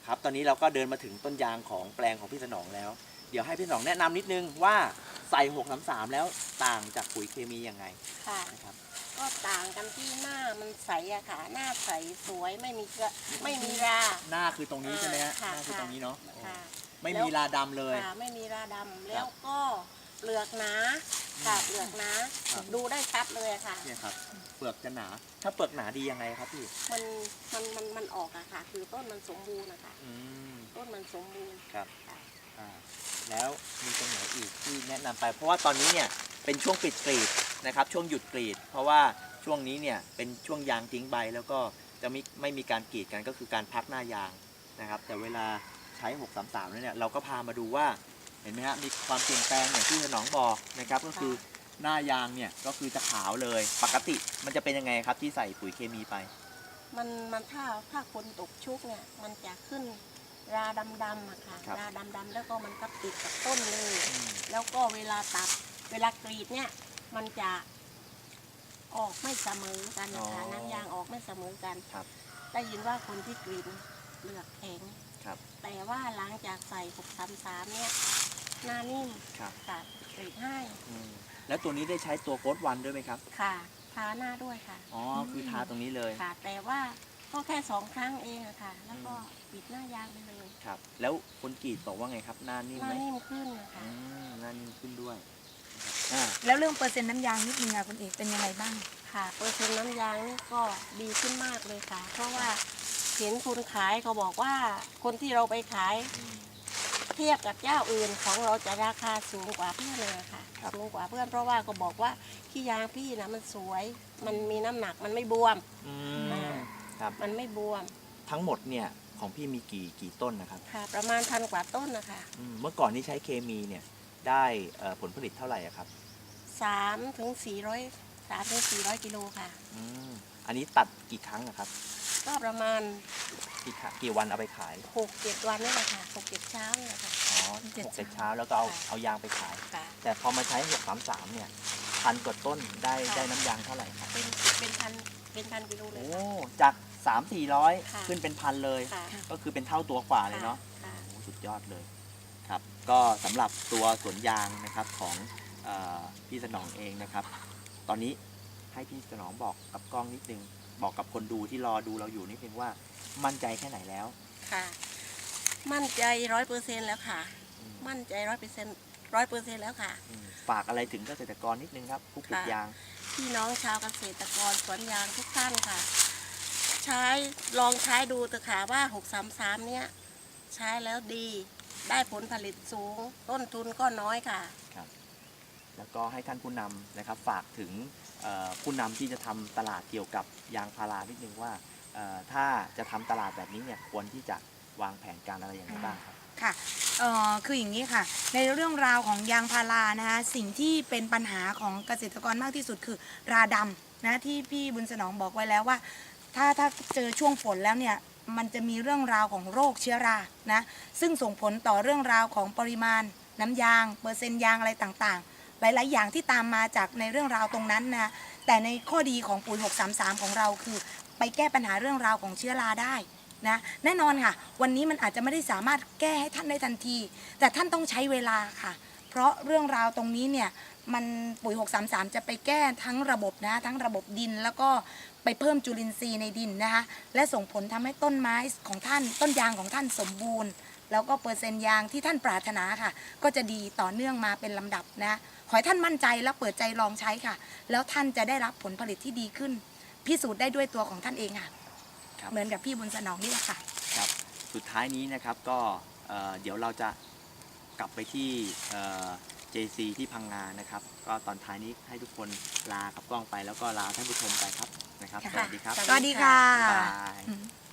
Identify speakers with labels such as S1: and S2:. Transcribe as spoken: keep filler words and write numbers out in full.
S1: ครับตอนนี้เราก็เดินมาถึงต้นยางของแปลงของพี่สนองแล้วเดี๋ยวให้พี่สนองแนะนำนิดนึงว่าใส่หกสามสามแล้วต่างจากปุ๋ยเคมียังไง
S2: ค่ะ
S1: นะครับ
S2: ก็ต่างกันที่หน้ามันใสอะค่ะหน้าใสสวยไม่มีเกลือไม่มีรา
S1: หน้าคือตรงนี้ใช่ไหมฮะห
S2: ค่ะ
S1: น้าคือตรงนี้เนาะ
S2: ค่ะ
S1: ไม่มีราดำเลย
S2: ค่ะไม่มีราดำแล้วก็เปลือกหนาค่ะเปลือกหนา
S1: ครับ
S2: ดูได้ชัดเลยอะค่ะ
S1: เนี่ยครับเปลือกจะหนาถ้าเปลือกหนาดียังไงครับพี่
S2: มันมันมันมันออกอะค่ะ คือต้นมันสมบูรณ์นะคะ
S1: อืม
S2: ต้นมันสมบูรณ์
S1: ครับ
S2: ค่ะ
S1: อ่าแล้วมีตรงไหนอีกที่แนะนำไป เพราะว่าตอนนี้เนี่ยเป็นช่วงปิดกรีดนะครับช่วงหยุดกรีด เพราะว่าช่วงนี้เนี่ยเป็นช่วงยางทิ้งใบแล้วก็จะไม่ไม่มีการกรีดกันก็คือการพักหน้ายางนะครับแต่เวลาใช้หกสามสามแล้วเนี่ยเราก็พามาดูว่าเห็นไหมฮะมีความเปลี่ยนแปลงอย่างที่ถนอมบอกนะครับก็คือหน้ายางเนี่ยก็คือจะขาวเลยปกติมันจะเป็นยังไงครับที่ใส่ปุ๋ยเคมีไป
S2: มันมันถ้าถ้าคนตกชุกเนี่ยมันจะขึ้นราดำดำๆอะค่ะ
S1: ครับ
S2: ราดำดำๆแล้วก็มันก็ติดกับต้นเลย
S1: อืม
S2: แล้วก็เวลาตัดเวลากรีดเนี่ยมันจะออกไม่เสมอกันนะคะน้ำยางออกไม่เสมอกัน
S1: ครับ
S2: ได้ยินว่าคนที่กรีดเปลือกแข็ง
S1: ครับ
S2: แต่ว่าหลังจากใส่หกสามสามเนี่ยหน้านิ่ม
S1: ครับ
S2: ค่ะกรีดให้
S1: อืมแล้วตัวนี้ได้ใช้ตัวโค้ดวันด้วยไหมครับ
S2: ค่ะทาหน้าด้วยค่ะ
S1: อ๋อคือทาตรงนี้เลย
S2: ค่ะ แต่ว่าก็แค่สองครั้งเองอะค่ะ แล้วก็ปิดหน้ายางไปเลย
S1: ครับแล้วคนกรีดบอกว่าไงครับหน้านิ่ม
S2: หน้า
S1: ไหม
S2: นิ่มขึ้นนะคะ
S1: อืมหน้านิ่มขึ้นด้วยอ่า
S3: แล้วเรื่องเปอร์เซ็นต์น้ำยางนิดนึงค่ะคุณเอกเป็นยังไงบ้าง
S2: ค่ะเปอร์เซ็นต์น้ำยางนี่ก็ดีขึ้นมากเลยค่ะ เพราะว่าเห็นคนขายเขาบอกว่าคนที่เราไปขาย
S1: อืม
S2: เทียบกับเจ้าอื่นของเราจะราคาสูงกว่าเพื่อนเลยค่ะ
S1: ครับ
S2: สูงกว่าเพื่อนเพราะว่าก็บอกว่าขี้ยางพี่นะมันสวย มันมีน้ำหนักมันไม่บวม
S1: อื
S2: อ่า
S1: มครับ
S2: มันไม่บวม
S1: ทั้งหมดเนี่ยของพี่มีกี่กี่ต้นนะครับ
S2: ค่ะ ประมาณพันกว่าต้นนะคะ
S1: อืมเมื่อก่อนที่ใช้เคมีเนี่ยได้เอ่อผลผลิตเท่าไหร่อะครับ
S2: สามถึงสี่ร้อยสามถึงสี่ร้อยกิโลค่ะ
S1: อืมอันนี้ตัดกี่ครั้งอะครับ
S2: ก็ประมาณ
S1: กี่ครั้งกี่วันเอาไปขาย
S2: หกเจ็ดวันนี่แหละค่ะหกเจ็ดเช้านี่แหละค่ะ
S1: อ๋อ
S3: เจ็ด
S1: หกเจ็ด
S3: เช้า
S1: เช้าแล้วก็เอา
S2: ค่ะ
S1: เอายางไปขาย
S2: ค่ะ
S1: แต่พอมาใช้หกสามสามเนี่ยพันกว่าต้นได้
S2: ค่ะ
S1: ได้น้ำยางเท่าไหร่ครับ
S2: เป็นเป็นพันเป็นพันกิโลเลย
S1: โอ้
S2: ค่ะ
S1: จากสามสี่ร้อย
S2: ค่ะ
S1: ขึ้นเป็นพันเลย
S2: ค่ะ
S1: ก็คือเป็นเท่าตัวกว่าเลยเนาะ
S2: ค่ะ
S1: โอ้สุดยอดเลยครับก็สำหรับตัวสวนยางนะครับของเออพี่สนองเองนะครับ ตอนนี้ให้พี่สนองบอกกับกล้องนิดนึงบอกกับคนดูที่รอดูเราอยู่นิดนึงว่ามั่นใจแค่ไหนแล้ว
S2: ค่ะ มั่นใจร้อยเปอร์เซ็นต์แล้วค่ะ
S1: อืม
S2: มั่นใจร้อยเปอร์เซ็นต์ร้อยเปอร์เซ็นต์แล้วค่ะ
S1: อืมฝากอะไรถึงเกษตรกรนิดนึงครับผู้ปลูก
S2: ค่ะ
S1: ยาง
S2: พี่น้องชาวเกษตรกรสวนยางทุกท่านค่ะ ใช้ลองใช้ดูเถอะค่ะว่าหกสามสามเนี้ยใช้แล้วดี ได้ผลผลิตสูง ต้นทุนก็น้อยค่ะ
S1: แล้วก็ให้ท่านผู้นำนะครับฝากถึงเอ่อผู้นำที่จะทำตลาดเกี่ยวกับยางพารานิดนึงว่าเอ่อถ้าจะทำตลาดแบบนี้เนี่ยควรที่จะวางแผนการอะไรอย่างไรบ้างครับ
S3: ค่ะเอ่อคืออย่างนี้ค่ะ ในเรื่องราวของยางพารานะคะสิ่งที่เป็นปัญหาของเกษตรกรมากที่สุดคือราดำนะที่พี่บุญสนองบอกไว้แล้วว่า ถ้าถ้าเจอช่วงฝนแล้วเนี่ยมันจะมีเรื่องราวของโรคเชื้อรานะซึ่งส่งผลต่อเรื่องราวของปริมาณน้ำยางเปอร์เซ็นต์ยางอะไรต่างๆ หลายๆ อย่างที่ตามมาจากในเรื่องราวตรงนั้นนะแต่ในข้อดีของปุ๋ยหกสามสามของเราคือไปแก้ปัญหาเรื่องราวของเชื้อราได้นะแน่นอนค่ะวันนี้มันอาจจะไม่ได้สามารถแก้ให้ท่านได้ทันที แต่ท่านต้องใช้เวลาค่ะ เพราะเรื่องราวตรงนี้เนี่ยมันปุ๋ยหกสามสามจะไปแก้ทั้งระบบนะทั้งระบบดินแล้วก็ไปเพิ่มจุลินทรีย์ในดินนะคะและส่งผลทำให้ต้นไม้ของท่านต้นยางของท่านสมบูรณ์ แล้วก็เปอร์เซ็นต์ยางที่ท่านปรารถนาค่ะ ก็จะดีต่อเนื่องมาเป็นลำดับนะขอให้ท่านมั่นใจและเปิดใจลองใช้ค่ะ แล้วท่านจะได้รับผลผลิตที่ดีขึ้น พิสูจน์ได้ด้วยตัวของท่านเองค่ะ
S1: ครับ
S3: เหมือนกับพี่บุญสนองนี่แหละค่ะ
S1: ครับสุดท้ายนี้นะครับก็เอ่อเดี๋ยวเราจะกลับไปที่เอ่อ เจ ซี ที่พังงานะครับ ก็ตอนท้ายนี้ให้ทุกคนลากับกล้องไปแล้วก็ลาท่านผู้ชมไปครับนะครับ
S3: ค่ะ
S1: สวัสดีครับ
S3: สวัสดีค่ะ
S1: บ๊ายบาย
S3: อืม